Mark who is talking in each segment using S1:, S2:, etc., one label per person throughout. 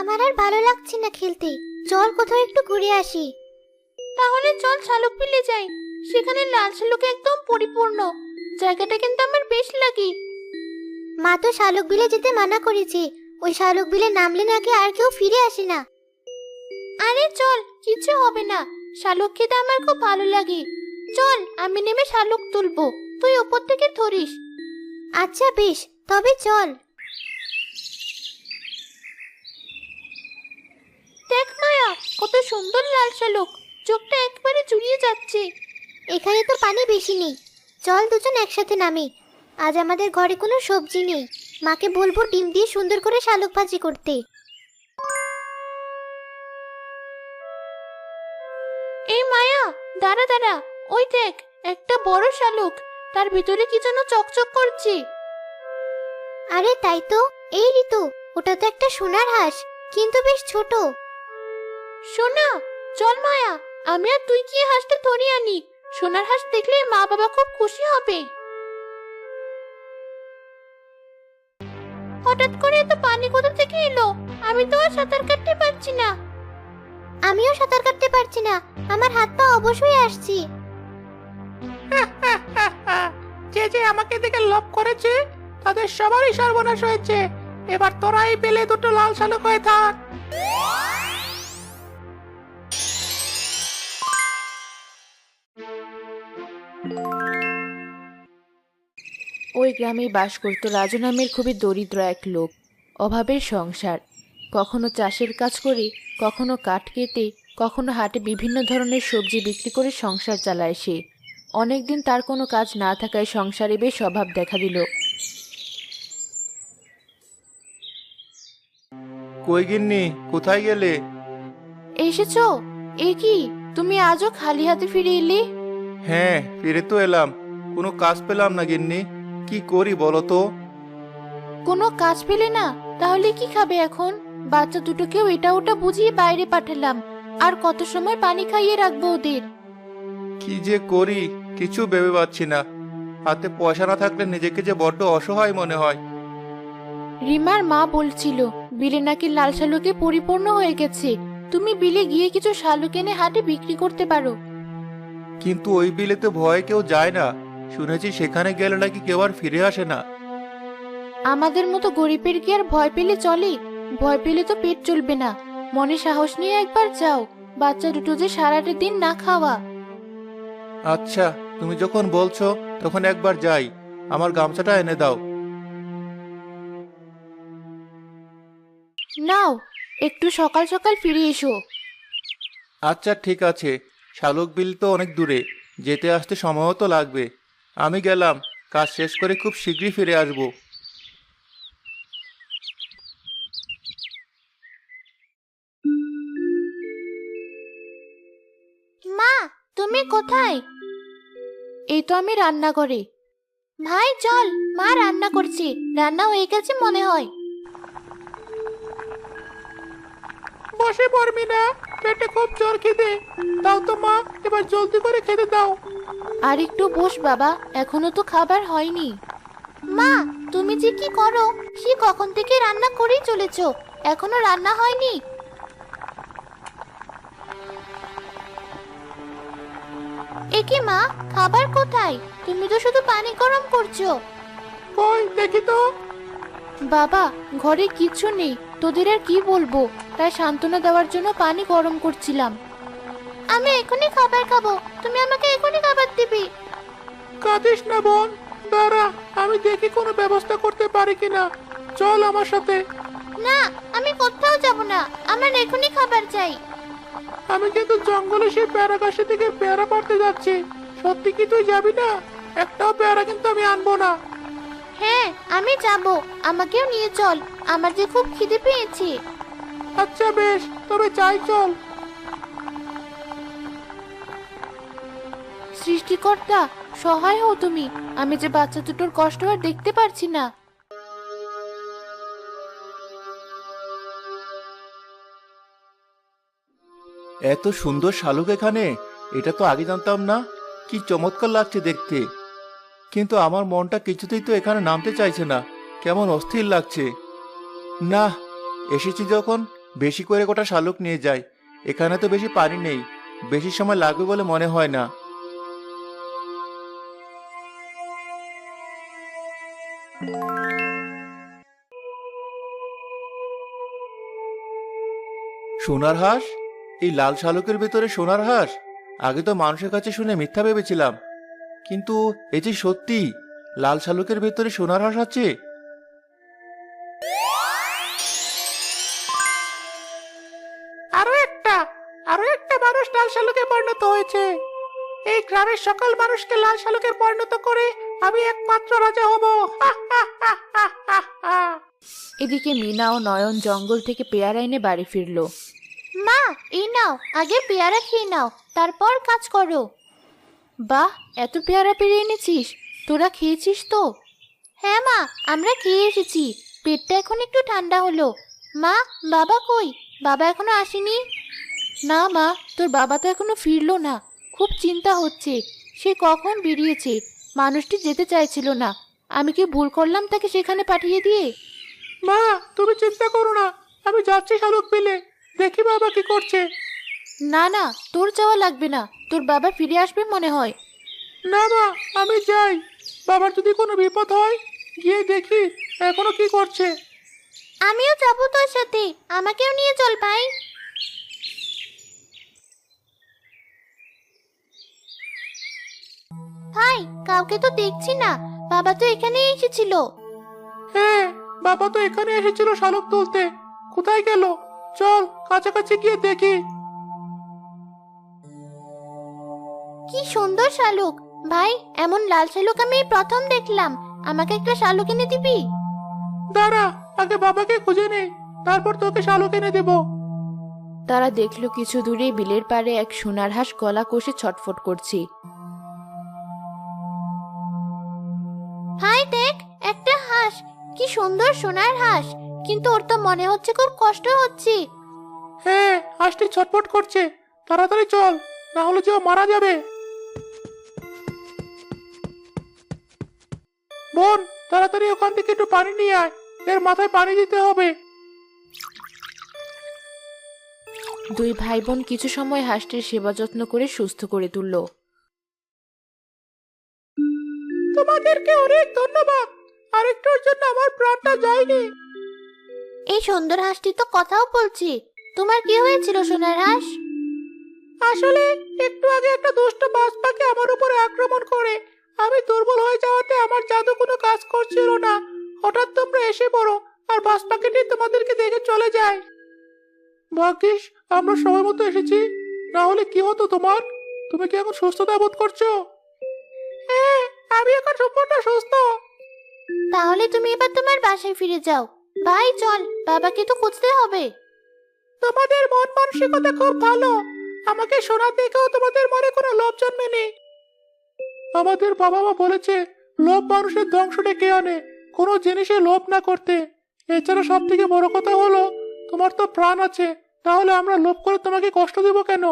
S1: আমার আর ভালো লাগছে না খেলতে। চল কোথাও একটু ঘুরে আসি।
S2: তাহলে চল শালুক বিলে যাই। সেখানে লাল শালুক একদম পরিপূর্ণ। জায়গাটা কিন্তু আমার বেশ লাগে।
S1: মা তো শালুক বিলে যেতে মানা করেছে। ওই শালুক বিলে নামলে নাকি আর কেউ ফিরে আসে না।
S2: আরে চল, কিছু হবে না। শালুক খেতে আমার খুব ভালো লাগে। চল, আমি নেমে শালুক তুলবো, তুই উপর থেকে ধরিস।
S1: আচ্ছা বেশ, তবে চল।
S2: দেখ মায়া, কত সুন্দর লাল শালুক, চোখটা একবারে জুড়িয়ে যাচ্ছে।
S1: এখানে তো পানি বেশি নেই। চল দুজন একসাথে নামি। আজ আমাদের ঘরে কোনো সবজি নেই। মাকে বলবো ডিম দিয়ে সুন্দর করে শালুক ভাজি করতে।
S2: এই মায়া, দাঁড়া দাঁড়া, ওই দেখ, একটা বড় শালুক, তার ভিতরে কি যেন চকচক করছে।
S1: আরে তাই তো। এই ঋতু, ওটা তো একটা সোনার হাঁস, কিন্তু বেশ ছোট।
S2: সোনা, চল মায়া, আমি আর তুই কি হাঁসটা ধরে আনি। সোনার হাঁস দেখলে মা বাবা খুব খুশি হবে। হঠাৎ করে এত পানি কোথা থেকে এলো? আমি তো আর সাঁতার কাটতে পারছি না।
S1: আমিও সাঁতার কাটতে পারছি না। আমার হাত পা অবশ্যই আসছি।
S3: যে যে আমাকে দেখে লোভ করেছে তাদের সবারই সর্বনাশ হয়েছে। এবার তোরাই পেলে দুটো লাল শালুক হয়ে থাক।
S2: ওই গ্রামে বাস করত রাজু নামের খুবই দরিদ্র এক লোক। অভাবের সংসার। কখনো চাষের কাজ করে, কখনো কাঠ কেটে, কখনো হাটে বিভিন্ন ধরনের সবজি বিক্রি করে সংসার চালায় সে। অনেকদিন তার কোনো কাজ না থাকায় সংসারে বেশ অভাব দেখা দিল।
S4: কই গিন্নি, কোথায় গেলে?
S2: এসেছো? এ কি, তুমি আজও খালি হাতে ফিরে এলে?
S4: হ্যাঁ, ফিরে তো এলাম। কোনো কাজ পেলাম না গিন্নি। কি করি বলো তো?
S2: কোনো কাজ পেলে না? তাহলে কি খাবে এখন? বাচ্চা দুটোকেও এটা ওটা বুঝিয়ে বাইরে পাঠালাম, আর কত সময় পানি খাইয়ে রাখবো ওদের?
S4: কি যে করি কিছু ভেবে পাচ্ছি না। হাতে পয়সা না থাকলে নিজেকে যে বড্ড অসহায় মনে হয়।
S2: রিমার মা বলছিল বিলে নাকি লাল শালুকে পরিপূর্ণ হয়ে গেছে। তুমি বিলে গিয়ে কিছু শালুক এনে হাটে বিক্রি করতে পারো।
S4: কিন্তু ওই বিলেতে ভয়ে কেউ যায় না। শুনেছি সেখানে গেলে নাকি কেউ আর ফিরে আসে না।
S2: আমাদের মতো গরিবের কি আর ভয় পেলে চলে? ভয় পেলে তো পেট চলবে না। মনে সাহস নিয়ে একবার যাও। বাচ্চা দুটো যে সারাটা দিন না খাওয়া।
S4: আচ্ছা, তুমি যখন বলছো তখন একবার যাই। আমার গামছাটা এনে দাও।
S2: নাও, একটু সকাল সকাল ফিরে এসো।
S4: আচ্ছা ঠিক আছে। শালুক বিল তো অনেক দূরে, যেতে আসতে সময়ও তো লাগবে। আমি গেলাম, কাজ শেষ করে খুব শীঘ্রই ফিরে আসবো।
S2: মা, তুমি কোথায়? এই তো আমি রান্নাঘরে। ভাই চল, মা রান্না করছে, রান্না হয়ে গেছে মনে হয়।
S3: বসে পড়বি না? পেটে খুব জোর খিদে। দাও তো মা, এবার জলদি করে খেতে দাও।
S2: আর একটু বস বাবা, এখনো তো খাবার হয়নি। মা, তুমি যে কি করো? সে কখন থেকে রান্না করেই চলেছো, এখনো রান্না হয়নি? একে মা, খাবার কোথায়? তুমি তো শুধু পানি গরম করছো।
S3: কই দেখি তো।
S2: বাবা, ঘরে কিচ্ছু নেই, তোদের আর কি বলবো, তাই সান্ত্বনা দেওয়ার জন্য পানি গরম করছিলাম। আমি এখনই খাবার খাবো, তুমি আমাকে এখনই খাবার দিবি।
S3: কাঁদিস না বোন, দাঁড়া, আমি দেখি কোনো ব্যবস্থা করতে পারি কিনা। চল আমার সাথে।
S2: না, আমি কোথাও যাব না, আমার এখনই খাবার চাই।
S3: আমি কিন্তু জঙ্গলে সেই পেয়ারা গাছের দিকে পেয়ারা পাড়তে যাচ্ছি। সত্যি কি তুই যাবি না? একটাও পেয়ারা কিন্তু আমি আনবো না।
S2: হ্যাঁ, আমি যাব, আমাকেও নিয়ে চল, আমার যে খুব খিদে পেয়েছে।
S3: আচ্ছা বেশ, তবে যাই চল।
S2: সৃষ্টিকর্তা, সহায় হও তুমি, আমি যে বাচ্চা দুটোর কষ্ট আর দেখতে পারছি না।
S4: এত সুন্দর শালুক এখানে, এটা তো আগে জানতাম না। কি চমৎকার লাগছে দেখতে। কিন্তু আমার মনটা কিছুতেই তো এখানে নামতে চাইছে না। কেমন অস্থির লাগছে। না, এসেছি যখন বেশি করে গোটা শালুক নিয়ে যাই। এখানে তো বেশি পানি নেই, বেশি সময় লাগবে বলে মনে হয় না। সোনার হাঁস? এই লাল শালুকের ভেতরে সোনার হাঁস? আগে তো মানুষের কাছে শুনে মিথ্যা ভেবেছিলাম, কিন্তু এই যে সত্যি লাল শালুকের ভেতরে সোনার হাঁস আছে।
S3: আরো একটা আরো একটা মানুষ লাল শালুকে পরিণত হয়েছে। এই গ্রামের সকল মানুষকে লাল শালুকে পরিণত করে আমি একমাত্র রাজা হব। হা, হা, হা, হা, হা, হা।
S2: এদিকে মিনা ও নয়ন জঙ্গল থেকে পেয়ারা এনে বাড়ি ফিরলো।
S1: মা, এই নাও, আগে পেয়ারা খেয়ে নাও, তারপর কাজ করো।
S2: বাহ, এত পেয়ারা পেরে এনেছিস! তোরা খেয়েছিস তো?
S1: হ্যাঁ মা, আমরা খেয়ে এসেছি। পেটটা এখন একটু ঠান্ডা হলো। মা, বাবা কই? বাবা এখনো আসেনি?
S2: না মা, তোর বাবা তো এখনো ফিরলো না। খুব চিন্তা হচ্ছে। সে কখন বেরিয়েছে। মানুষটি যেতে চাইছিল না। আমি কি ভুল করলাম তাকে সেখানে পাঠিয়ে দিয়ে?
S3: মা, তুমি চিন্তা করো না, আমি যাচ্ছি শালুক বিলে। দেখি বাবা কি করছে।
S2: না না, তোর যাওয়া লাগবে না। তোর বাবা ফিরে আসবে মনে হয়।
S3: না মা, আমি যাই। বাবার যদি কোনো বিপদ হয়, গিয়ে দেখি এখনো কি করছে।
S1: আমিও যাবো তোর সাথে, আমাকেও নিয়ে চল ভাই। ভাই, কাউকে তো দেখছি না। বাবা তো এখানেই এসেছিল।
S3: হ্যাঁ, বাবা তো এখানে এসেছিল শালুক তুলতে। কোথায় গেল? চল কাছাকাছি গিয়ে দেখি।
S1: কি সুন্দর শালুক! ভাই, এমন লাল শালুক আমি এই প্রথম দেখলাম। আমাকে একটা শালুক এনে দিবি?
S3: দাঁড়া, আগে বাবাকে খুঁজে নে, তারপর তোকে শালুক এনে দেবো।
S2: তারা দেখলো কিছু দূরে বিলের পাড়ে এক সোনার হাঁস গলা কষে ছটফট করছে।
S1: ভাই দেখ, একটা হাঁস। কি সুন্দর সোনার হাঁস, কিন্তু ওর তো মনে হচ্ছে খুব কষ্ট হচ্ছে।
S3: হ্যাঁ, হাঁসটি ছটফট করছে। তাড়াতাড়ি চল, না হলে যে ও মারা যাবে। বোন, তাড়াতাড়ি ওখান থেকে একটু পানি নিয়ে আয়। এর মাথায় পানি দিতে হবে।
S2: দুই ভাই বোন কিছু সময় হাঁসটির সেবা যত্ন করে সুস্থ করে তুলল।
S3: তোমাদেরকে অনেক ধন্যবাদ। আরেকটুর জন্য আমার প্রাণটা যায়নি।
S1: এই সুন্দর হাঁসটি তো কথাও বলছে। তোমার কি হয়েছিল সোনার হাঁস?
S3: আসলে একটু আগে একটা দুষ্ট বাজ পাখি আমার উপরে আক্রমণ করে আমি দুর্বল হয়ে যাওয়াতে আমার জাদু কোনো কাজ করছিল না। হঠাৎ তোমরা এসে পড়ো, আর বাজ পাখিটি তোমাদেরকে দেখে চলে যায়। ভাগ্যিস আমরা সময় মতো এসেছি, না হলে কি হতো তোমার? তুমি কি এখন সুস্থতা বোধ করছো? হ্যাঁ, আমি এখন সম্পূর্ণ সুস্থ।
S1: তাহলে তুমি এবার তোমার বাসায় ফিরে যাও। ভাই চল, বাবাকে তো খুঁজতে হবে।
S3: তোমাদের মন মানসিকতা খুব ভালো। আমাকে শোনা দেখেও তোমাদের মনে কোনো লোভ জন্মেনি। আমাদের বাবা মা বলেছে লোভ মানুষের ধ্বংস ডেকে আনে, কোনো জিনিসে লোভ না করতে। এছাড়া সব থেকে বড় কথা হলো তোমার তো প্রাণ আছে, তাহলে আমরা লোভ করে তোমাকে কষ্ট দেব কেন?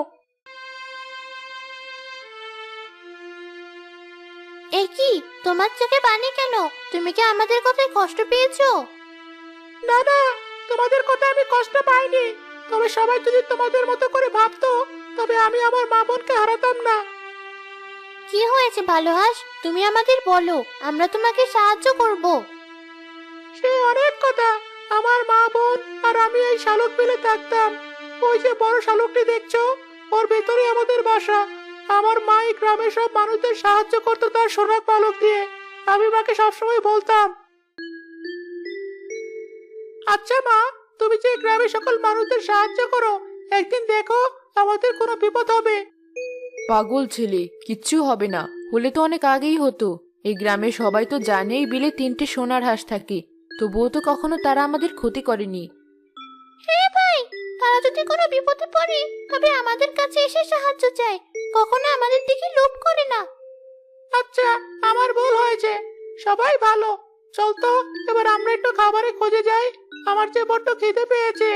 S1: এ কি, তোমার চোখে পানি কেন? তুমি কি আমাদের কথায় কষ্ট পেয়েছো?
S3: না না, তোমাদের কথা আমি কষ্ট পাইনি। তবে সবাই যদি তোমাদের মতো করে ভাবতো, তবে আমি আমার মা বোনকে হারাতাম না।
S1: কি হয়েছে ভালো হাঁস? তুমি আমাদের বলো, আমরা তোমাকে সাহায্য করব।
S3: সে অনেক কথা। আমার মা বোন আর আমি এই শালুক বিলে থাকতাম। ওই যে বড় শালুকটি দেখছো, ওর ভেতরে আমাদের বাসা। আমার মা এই গ্রামের সব মানুষদের সাহায্য করতো তার সোনা পালক দিয়ে। আমি মাকে সবসময় বলতাম, আচ্ছা মা, তুমি যে গ্রামের সকল মানুষদের সাহায্য করো, একদিন দেখো আমাদের কোনো বিপদ হবে।
S2: পাগল ছেলে, কিচ্ছু হবে না। হলে তো অনেক আগেই হতো। এই গ্রামের সবাই তো জানে এই বিলে 3টে সোনার হাঁস থাকে, তবুও তো কখনো তারা আমাদের ক্ষতি করেনি।
S1: হ্যাঁ ভাই, তারা যদি কোনো বিপদে পড়ে তবে আমাদের কাছে এসে সাহায্য চায়, কখনো আমাদের দিকে লোভ করে না।
S3: আচ্ছা, আমার ভুল হয়েছে। সবাই ভালো। চল তো, এবার আমরা একটু খাবারের খোঁজে যাই। আমার যে বড্ড খিদে পেয়েছে।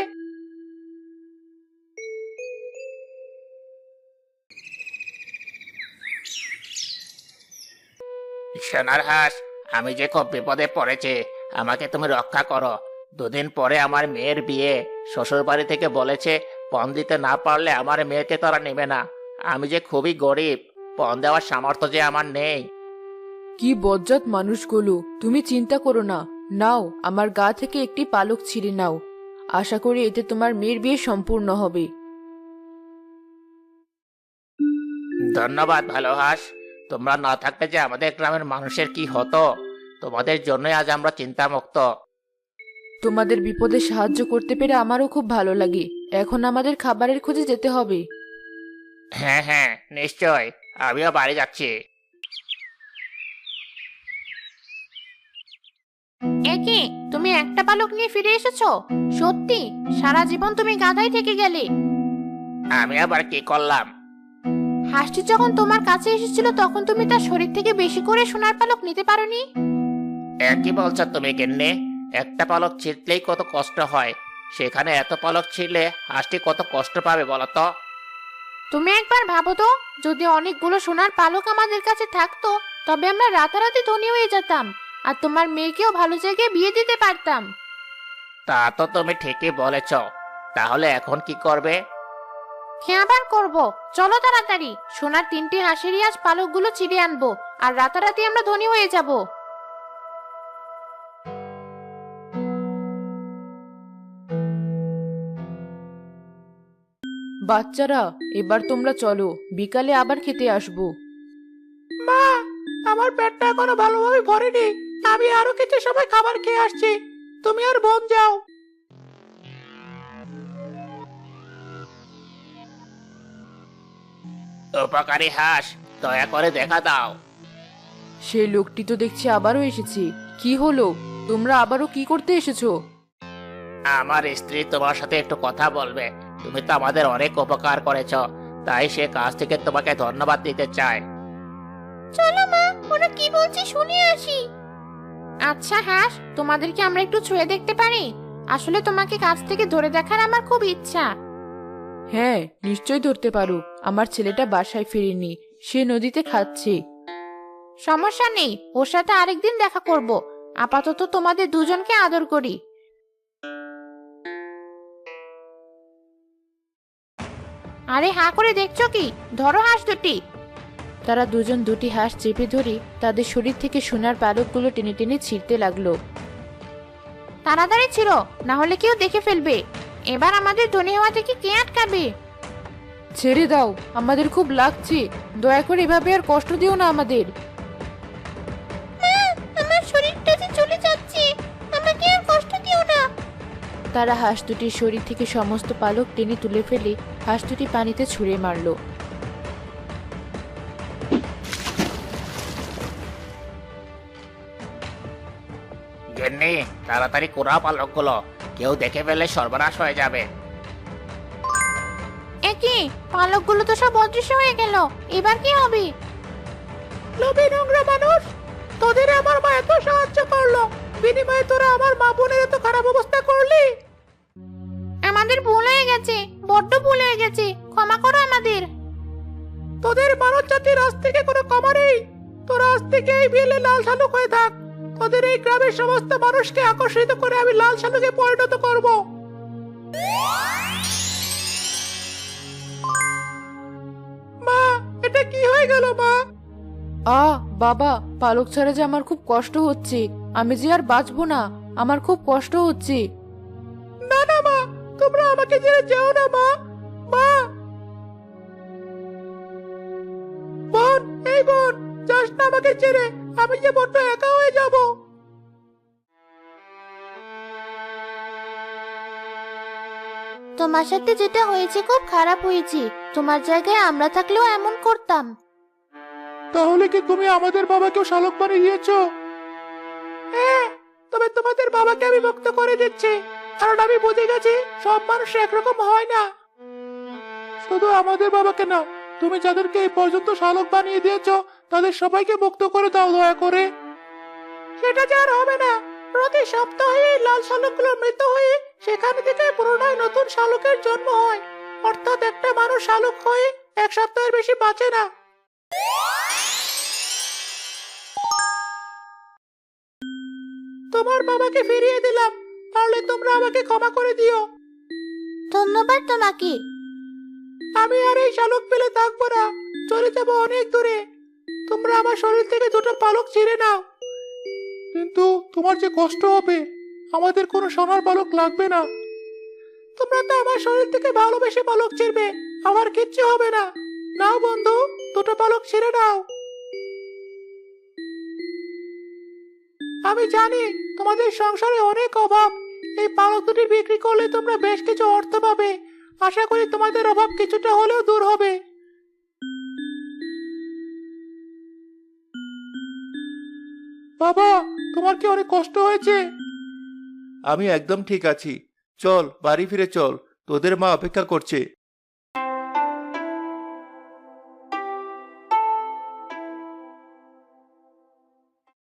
S5: সোনার হাঁস, আমি যে খুব বিপদে পড়েছি, আমাকে তুমি রক্ষা করো। 2 দিন পরে আমার মেয়ের বিয়ে। শ্বশুর বাড়ি থেকে বলেছে পণ দিতে না পারলে আমার মেয়েকে তারা নেবে না। আমি যে খুবই গরিব, পণ দেওয়ার সামর্থ্য যে আমার নেই।
S2: কি বজ্জাত মানুষগুলো, তুমি চিন্তা করো না। নাও, আমার গা থেকে একটি পালক ছিঁড়ে নাও। আশা করি এতে তোমার মেয়ের বিয়ে সম্পূর্ণ হবে।
S5: ধন্যবাদ ভালো হাঁস। তোমরা না থাকলে যে আমাদের গ্রামের মানুষের কি হতো। তোমাদের জন্যই আজ আমরা চিন্তামুক্ত।
S2: তোমাদের বিপদে সাহায্য করতে পেরে আমারও খুব ভালো লাগে। এখন আমাদের খাবারের খোঁজে যেতে হবে।
S5: হ্যাঁ হ্যাঁ, নিশ্চয়। আমিও বাড়ি যাচ্ছি।
S2: একে, তুমি একটা পালক নিয়ে ফিরে এসেছো? সত্যি, সারা জীবন তুমি গাধাই থেকে গেলে।
S5: আমি আবার কি করলাম?
S2: হাঁসটি যখন তোমার কাছে এসেছিল তখন তুমি তার শরীর থেকে বেশি করে সোনার পালক নিতে পারোনি?
S5: একই বলছো তুমি গিন্নি? একটা পালক ছিঁড়লেই কত কষ্ট হয়, সেখানে এত পালক ছিঁড়লে হাঁসটি কত কষ্ট পাবে বলো তো।
S2: তুমি একবার ভাবো তো, যদি অনেকগুলো সোনার পালক আমাদের কাছে থাকতো তবে আমরা রাতারাতি ধনী হয়ে যেতাম, আর তোমার মেয়েকেও ভালো জায়গায় বিয়ে দিতে পারতাম।
S5: তা তো তুমি ঠিকই বলেছ। তাহলে এখন কি করবে?
S2: কি আবার করব? চলো তাড়াতাড়ি, সোনার 3টি হাঁসেরই আজ পালকগুলো ছিঁড়ে আনবো, আর রাতারাতি আমরা ধনী হয়ে যাব। বাচ্চারা, এবার তোমরা চলো, বিকালে আবার খেতে আসবো।
S3: মা, আমার পেটটা এখনো ভালোভাবে ভরেনি। আমি আরো কিছু সময় খাবার খেয়ে আসছি। তুমি আর বোন যাও।
S5: উপকারী হাঁস, দয়া করে দেখা দাও।
S2: সেই লোকটি তো দেখছি আবারও এসেছে। কি হলো? তোমরা আবারও কি করতে এসেছো?
S5: আমার স্ত্রী তোমার সাথে একটু কথা বলবে। তুমি তো আমাদের অনেক উপকার করেছ, তাই সে কাজ থেকে তোমাকে ধন্যবাদ দিতে চায়।
S1: চলো মা, ওরা কি বলছে শুনে আসি।
S2: আচ্ছা হাঁস, তোমাদেরকে আমরা একটু ছুঁয়ে দেখতে পারি? আসলে তোমাকে কাছ থেকে ধরে দেখার আমার খুব ইচ্ছা। হ্যাঁ, নিশ্চয়ই ধরতে পারো। আমার ছেলেটা বাসায় ফিরেনি, সে নদীতে খাচ্ছে। সমস্যা নেই, ওর সাথে আরেকদিন দেখা করব। আপাতত তোমাদের দুজনকে আদর করি। আরে হাঁ করে দেখছো কি? ধরো হাঁস দুটি। তারা দুজন দুটি হাঁস চেপে ধরে তাদের শরীর থেকে সোনার পালকগুলো টেনে টেনে ছিঁড়তে লাগলো। তাড়াতাড়ি ছিল, না হলে কেউ দেখে ফেলবে। এবার আমাদের ধনী হওয়া থেকে কে আটকাবে? ছেড়ে দাও, আমাদের খুব লাগছে। দয়া করে এভাবে আর কষ্ট দিও না আমাদের।
S1: আমার শরীরটা যে চলে যাচ্ছে, আমাকে আর কষ্ট দিও না।
S2: তারা হাঁস দুটির শরীর থেকে সমস্ত পালক টেনে তুলে ফেলে হাঁস দুটি পানিতে ছুঁড়ে মারলো।
S5: গিন্নি, তাড়াতাড়ি কুড়াও পালকগুলো, কেউ দেখে ফেলে সর্বনাশ হয়ে যাবে।
S2: একই, পালকগুলো তো সব অদৃশ্য হয়ে গেল। এবার কি হবে?
S3: লোভী নোংরা মানুষ, তোদের আমার মা এত সাহায্য করলো, বিনিময়ে তোরা আমার মা বোনের এত খারাপ অবস্থা করলি।
S2: আমাদের ভুল হয়ে গেছে, বড্ড ভুল হয়ে গেছে, ক্ষমা করো আমাদের।
S3: তোদের মানব জাতির আজ থেকে কোনো ক্ষমা নেই। তোরা আজ থেকে এই বিলে লাল শালুক হয়ে থাক। তোদের এই গ্রামের সমস্ত মানুষকে আকর্ষিত করে আমি লাল শালুকে পরিণত করব। মা, এটা কি হয়ে গেল মা?
S2: বাবা, পালক ছাড়া যে আমার খুব কষ্ট হচ্ছে। আমি যে আর বাঁচবো না, আমার খুব কষ্ট হচ্ছে।
S3: না না মা, তোমরা আমাকে ছেড়ে যেও না মা। মা, বোন, এই বোন, যাস না আমাকে ছেড়ে। আমি যে বড্ড একা হয়ে যাব।
S1: তোমার সাথে যেটা হয়েছে খুব খারাপ হয়েছে। তোমার জায়গায় আমরা থাকলেও এমন করতাম।
S3: তাহলে কি তুমি আমাদের বাবাকেও শালক বানিয়ে দিয়েছো? হ্যাঁ, তবে তোমাদের বাবাকে আমি মুক্ত করে দিচ্ছি, কারণ আমি বুঝে গেছি সব মানুষ একরকম হয় না। শুধু আমাদের বাবাকে না, তুমি যাদেরকে এই পর্যন্ত শালক বানিয়ে দিয়েছো তাদের সবাইকে মুক্ত করে দাও দয়া করে। সেটা যে আর হবে না। প্রতি সপ্তাহে এই লাল শালকগুলো মৃত হয়ে সেখান থেকে পুনরায় নতুন শালকের জন্ম হয়। অর্থাৎ একটা মানুষ শালক হয়ে 1 সপ্তাহের বেশি বাঁচে না। তোমার বাবাকে ফিরিয়ে দিলাম, পারলে তোমরা আমাকে ক্ষমা করে দিও।
S1: ধন্যবাদ তোমাকে।
S3: আমি আর এই শালক পেলে থাকবো না, চলে যাবো অনেক দূরে। তোমরা আমার শরীর থেকে দুটো পালক ছিঁড়ে নাও। কিন্তু তোমার যে কষ্ট হবে, আমাদের কোনো সোনার পালক লাগবে না। তোমরা তো আমার শরীর থেকে ভালোবেসে পালক ছিঁড়বে, আমার কিচ্ছু হবে না। নাও বন্ধু, দুটো পালক ছিঁড়ে নাও। আমি জানি তোমাদের সংসারে অনেক অভাব, এই পালক দুটি বিক্রি করলে তোমরা বেশ কিছু অর্থ পাবে। আশা করি তোমাদের অভাব কিছুটা হলেও দূর হবে। বাবা, তোমার কি অনেক কষ্ট হয়েছে?
S4: আমি একদম ঠিক আছি। চল বাড়ি ফিরে চল, তোদের মা অপেক্ষা করছে।